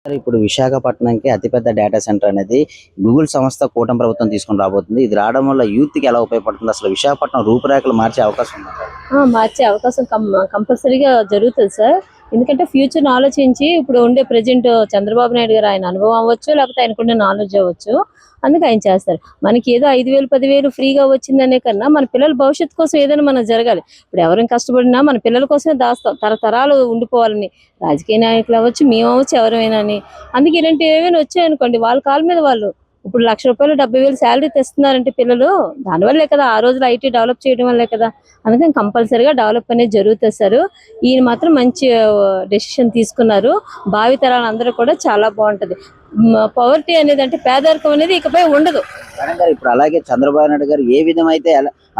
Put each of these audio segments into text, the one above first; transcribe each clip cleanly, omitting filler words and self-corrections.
ఇప్పుడు విశాఖపట్నంకి అతిపెద్ద data centre అనేది గూగుల్ సంస్థ కూటమి ప్రభుత్వం తీసుకొని రాబోతుంది. ఇది రావడం వల్ల యూత్ కి ఎలా ఉపయోగపడుతుంది? అసలు విశాఖపట్నం రూపురేఖలు మార్చే అవకాశం ఉందా? మార్చే అవకాశం కంపల్సరీగా జరుగుతుంది సార్. ఎందుకంటే ఫ్యూచర్ ఆలోచించి ఇప్పుడు ఉండే ప్రెజెంట్ చంద్రబాబు నాయుడు గారు ఆయన అనుభవం అవ్వచ్చు, లేకపోతే ఆయనకున్న నాలెడ్జ్ అవ్వచ్చు, అందుకే ఆయన చేస్తారు. మనకి ఏదో 5,000 10,000 ఫ్రీగా వచ్చిందనే కన్నా మన పిల్లల భవిష్యత్తు కోసం ఏదైనా మనం జరగాలి. ఇప్పుడు ఎవరైనా కష్టపడినా మన పిల్లల కోసమే దాస్తాం, తరతరాలు ఉండిపోవాలని. రాజకీయ నాయకులు అవ్వచ్చు, మేము అవ్వచ్చు, ఎవరైనా అని. అందుకే ఇలాంటి ఏమైనా వచ్చాయనుకోండి, వాళ్ళ కాళ్ళ మీద వాళ్ళు ఇప్పుడు ₹1,00,000 70,000 శాలరీ తెస్తున్నారంటే పిల్లలు, దానివల్లే కదా, ఆ రోజులు ఐటీ డెవలప్ చేయడం వల్లే కదా. అందుకని కంపల్సరీగా డెవలప్ అనేది జరుగుతుంది సార్. ఈయన మాత్రం మంచి డెసిషన్ తీసుకున్నారు. భావితరాలు అందరూ కూడా చాలా బాగుంటది. పవర్టీ అనేది అంటే పేదరికం అనేది ఇకపై ఉండదు. ఇప్పుడు అలాగే చంద్రబాబు నాయుడు గారు ఏ విధమైతే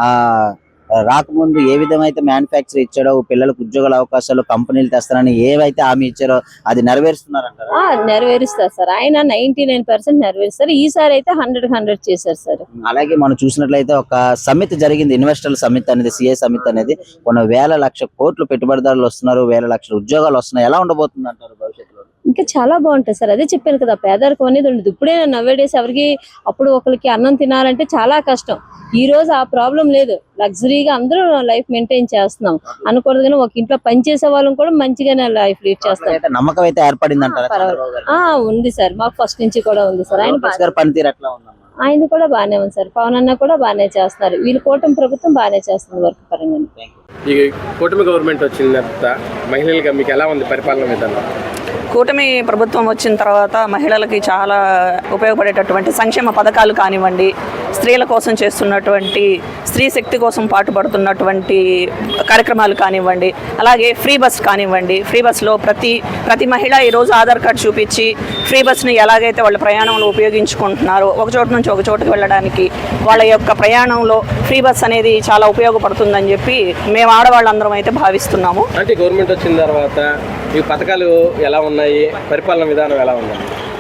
రాకముందు ఏ విధమైతే మ్యానుఫ్యాక్చర్ ఇచ్చాడో, పిల్లలకు ఉద్యోగాల అవకాశాలు కంపెనీలు తెస్తారని ఏవైతే హామీ ఇచ్చారో అది నెరవేరుస్తున్నారంటారా? నెరవేరుస్తారు సార్. ఆయన 99% నెరవేరుస్తారు. ఈసారి అయితే 100% చేశారు సార్. అలాగే మనం చూసినట్లయితే ఒక సమిట్ జరిగింది, ఇన్వెస్టర్ల సమిట్ అనేది, సిఏ సమిట్ అనేది. కొన్ని వేల లక్ష కోట్లు పెట్టుబడిదారులు వస్తున్నారు, వేల లక్షల ఉద్యోగాలు వస్తున్నాయి. ఎలా ఉండబోతుంది అంటారు భవిష్యత్తులో? ఇంకా చాలా బాగుంటుంది సార్. అదే చెప్పాను కదా, పేదరికం అనేది ఉండదు. ఇప్పుడే నవ్వేడేసి ఎవరికి అప్పుడు ఒకరికి అన్నం తినాలంటే చాలా కష్టం. ఈ రోజు ఆ ప్రాబ్లం లేదు. లగ్జరీగా అందరూ లైఫ్ మెయింటైన్ చేస్తున్నాం అనకూడదు, కానీ ఒక ఇంట్లో పని చేసే వాళ్ళని కూడా మంచిగానే లైఫ్ లీడ్ చేస్తాం. నమ్మకం అయితే ఏర్పడింది అంటారా? ఉంది సార్, మాకు ఫస్ట్ నుంచి కూడా ఉంది సార్. ఆయన పనితీరు ఎట్లా ఉందమ్మా? ఆయన కూడా బాగానే ఉంది సార్. పవన్ అన్న కూడా బాగానే చేస్తున్నారు. వీళ్ళు కూటమి ప్రభుత్వం బాగానే చేస్తుంది వర్క్ పరంగా. ఈ కూటమి గవర్నమెంట్ వచ్చిన తర్వాత మహిళలుగా మీకు ఎలా ఉంది పరిపాలన విధానం? కూటమి ప్రభుత్వం వచ్చిన తర్వాత మహిళలకి చాలా ఉపయోగపడేటటువంటి సంక్షేమ పథకాలు కానివ్వండి, స్త్రీల కోసం చేస్తున్నటువంటి స్త్రీ శక్తి కోసం పాటుపడుతున్నటువంటి కార్యక్రమాలు కానివ్వండి, అలాగే ఫ్రీ బస్ కానివ్వండి. ఫ్రీ బస్లో ప్రతి మహిళ ఈరోజు ఆధార్ కార్డు చూపించి ఫ్రీ బస్ని ఎలాగైతే వాళ్ళ ప్రయాణంలో ఉపయోగించుకుంటున్నారో, ఒక చోటు నుంచి ఒక చోటుకు వెళ్ళడానికి వాళ్ళ యొక్క ప్రయాణంలో ఫ్రీ బస్ అనేది చాలా ఉపయోగపడుతుందని చెప్పి మేము ఆడవాళ్ళందరం అయితే భావిస్తున్నాము. అంటే గవర్నమెంట్ వచ్చిన తర్వాత ఈ పథకాలు ఎలా ఉన్నాయి, పరిపాలన విధానం ఎలా ఉంది?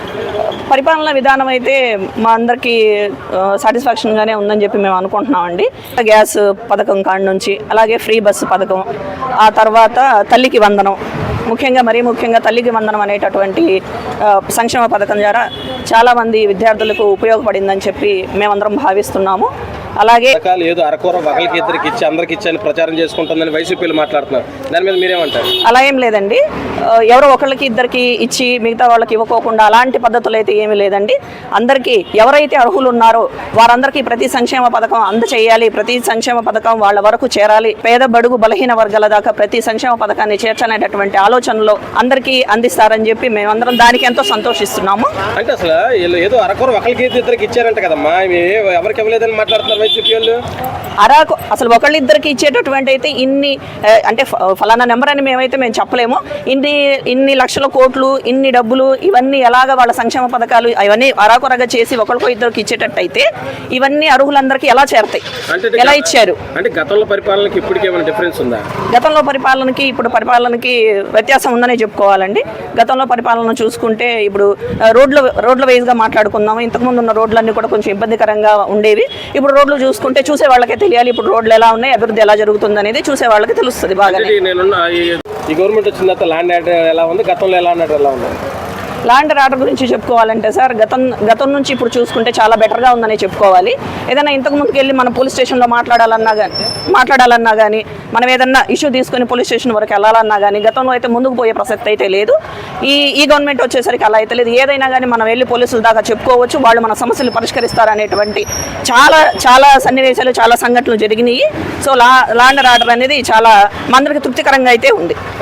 పరిపాలన విధానం అయితే మా అందరికీ సాటిస్ఫాక్షన్గానే ఉందని చెప్పి మేము అనుకుంటున్నామండి. గ్యాస్ పథకం కాడి నుంచి, అలాగే ఫ్రీ బస్సు పథకం, ఆ తర్వాత తల్లికి వందనం, మరీ ముఖ్యంగా తల్లికి వందనం అనేటటువంటి సంక్షేమ పథకం ద్వారా చాలామంది విద్యార్థులకు ఉపయోగపడిందని చెప్పి మేమందరం భావిస్తున్నాము. అలాగే ఏదో అరకొర ఒకరికి ఇద్దరికి ఇచ్చి అందరికి ఇచ్చి ప్రచారం చేసుకుంటుందని వైసీపీలు మాట్లాడుతున్నారు. దాని మీద మీరేమంటారు? అలా ఏం లేదండి. ఎవరో ఒకళ్ళకి ఇద్దరికి ఇచ్చి మిగతా వాళ్ళకి ఇవ్వకోకుండా అలాంటి పద్ధతులు అయితే ఏమీ లేదండి. అందరికీ ఎవరైతే అర్హులు ఉన్నారో వారందరికీ ప్రతి సంక్షేమ పథకం అందచేయాలి, ప్రతి సంక్షేమ పథకం వాళ్ళ వరకు చేరాలి, పేద బడుగు బలహీన వర్గాల దాకా ప్రతి సంక్షేమ పథకాన్ని చేర్చనేటటువంటి ఆలోచనలో అందరికీ అందిస్తారని చెప్పి మేమందరం దానికి ఎంతో సంతోషిస్తున్నాము. అంటే అసలు ఏదో అరకొర ఒకరికి ఇద్దరికి ఇచ్చారంట కదమ్మా, ఎవరికి ఇవ్వలేదని మాట్లాడుతున్నారు వైసీపీ వాళ్ళు. అసలు ఒకళ్ళిద్దరికి ఇచ్చేటటువంటి అయితే ఇన్ని అంటే ఫలానా నెంబర్ అని మేము చెప్పలేము. ఇన్ని లక్షల కోట్లు, ఇన్ని డబ్బులు, ఇవన్నీ ఎలాగ వాళ్ళ సంక్షేమ పథకాలు అవన్నీ అరాకొరగా చేసి ఒకరికో ఇద్దరికి ఇచ్చేటట్టయితే ఇవన్నీ అర్హులందరికీ ఎలా చేరతాయి, ఎలా ఇచ్చారు? అంటే గతంలో పరిపాలనకి ఇప్పటికి ఏమైనా డిఫరెన్స్ ఉందా? గతంలో పరిపాలనకి ఇప్పుడు పరిపాలనకి వ్యత్యాసం ఉందనే చెప్పుకోవాలండి. గతంలో పరిపాలన చూసుకుంటే ఇప్పుడు రోడ్ల వైజ్గా మాట్లాడుకుందాము. ఇంతకుముందు ఉన్న రోడ్లన్నీ కూడా కొంచెం ఇబ్బందికరంగా ఉండేవి. ఇప్పుడు రోడ్లు చూసుకుంటే చూసే వాళ్ళకే తెలియాలి ఇప్పుడు రోడ్లు ఎలా ఉన్నాయి, అభివృద్ధి ఎలా జరుగుతుంది అనేది చూసే వాళ్ళకి తెలుస్తుంది బాగా. ఈ గవర్నమెంట్ వచ్చిన తర్వాత ల్యాండ్ ఆర్డర్ ఎలా ఉంది, గతంలో ల్యాండ్ ఆర్డర్ ఎలా ఉంది? ల్యాండ్ ఆర్డర్ గురించి చెప్పుకోవాలంటే సార్, గతం నుంచి ఇప్పుడు చూసుకుంటే చాలా బెటర్గా ఉందని చెప్పుకోవాలి. ఏదైనా ఇంతకు ముందుకు వెళ్ళి మనం పోలీస్ స్టేషన్లో మాట్లాడాలన్నా కానీ మనం ఏదన్నా ఇష్యూ తీసుకొని పోలీస్ స్టేషన్ వరకు వెళ్ళాలన్నా కానీ గతంలో అయితే ముందుకు పోయే ప్రసక్తి అయితే లేదు. ఈ గవర్నమెంట్ వచ్చేసరికి అలా అయితే లేదు. ఏదైనా కానీ మనం వెళ్ళి పోలీసుల దాకా చెప్పుకోవచ్చు, వాళ్ళు మన సమస్యలు పరిష్కరిస్తారనేటువంటి చాలా సన్నివేశాలు, చాలా సంఘటనలు జరిగినాయి. సో ల్యాండ్ ఆర్డర్ అనేది చాలా మందరికి తృప్తికరంగా అయితే ఉంది.